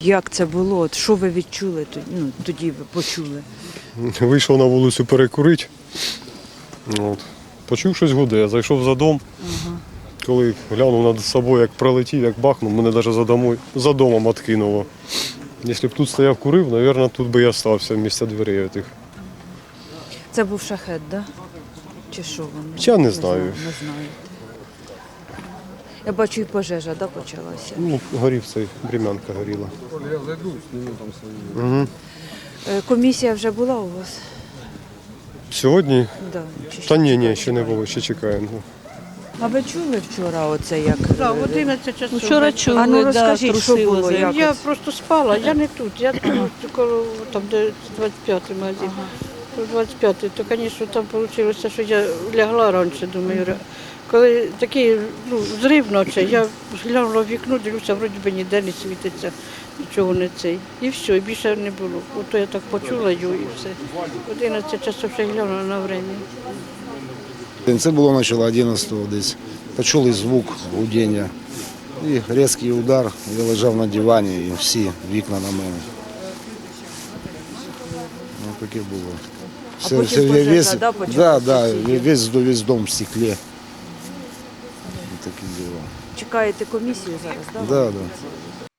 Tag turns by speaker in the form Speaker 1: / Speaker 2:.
Speaker 1: Як це було? От що ви відчули, тоді ви почули?
Speaker 2: Вийшов на вулицю перекурити. От. Почув щось гуде, зайшов за дом. Коли глянув над собою, як пролетів, як бахнув, мене навіть за домом відкинуло. Якщо б тут стояв курив, мабуть, тут би я стався місця дверей тих.
Speaker 1: Це був шахет, так? Да? Чи що воно?
Speaker 2: Я не знаю.
Speaker 1: Не знаю. Я бачу, і пожежа, да, почалася?
Speaker 2: Ну, горів цей, брім'янка горіла.
Speaker 3: Я зайду, зніму там свої.
Speaker 1: Комісія вже була у вас?
Speaker 2: Сьогодні?
Speaker 1: Да. Чи ще
Speaker 2: Та ні,
Speaker 1: чекаєте?
Speaker 2: ще не було, ще чекаємо.
Speaker 1: А ви чули вчора оце як?
Speaker 4: Так, в 11 часов.
Speaker 5: Вчора чули,
Speaker 1: А ну,
Speaker 5: да,
Speaker 1: розкажіть, що
Speaker 5: трусило
Speaker 1: було,
Speaker 5: землю.
Speaker 1: як?
Speaker 4: Я просто спала, я не тут, я тут, коло там, де 25-й магазин. 25-й, то, звісно, там вийшло, що я лягла раніше, думаю. Коли такий зрив ночі, я глянула в вікно, дивлюся, вроді би ніде не світиться, нічого не цей. І все, і більше не було. Ото я так почула його і все. 11 часов ще глянула на время.
Speaker 3: Це було начало 11-го десь. Почули звук гудіння. І різкий удар. Я лежав на дивані і всі вікна на мене. Ну, таке було.
Speaker 1: потім пожежа, да, почалася?
Speaker 3: Весь дом в стеклі. Таке діло.
Speaker 1: Чекаєте комісію зараз, так?
Speaker 3: Да, да.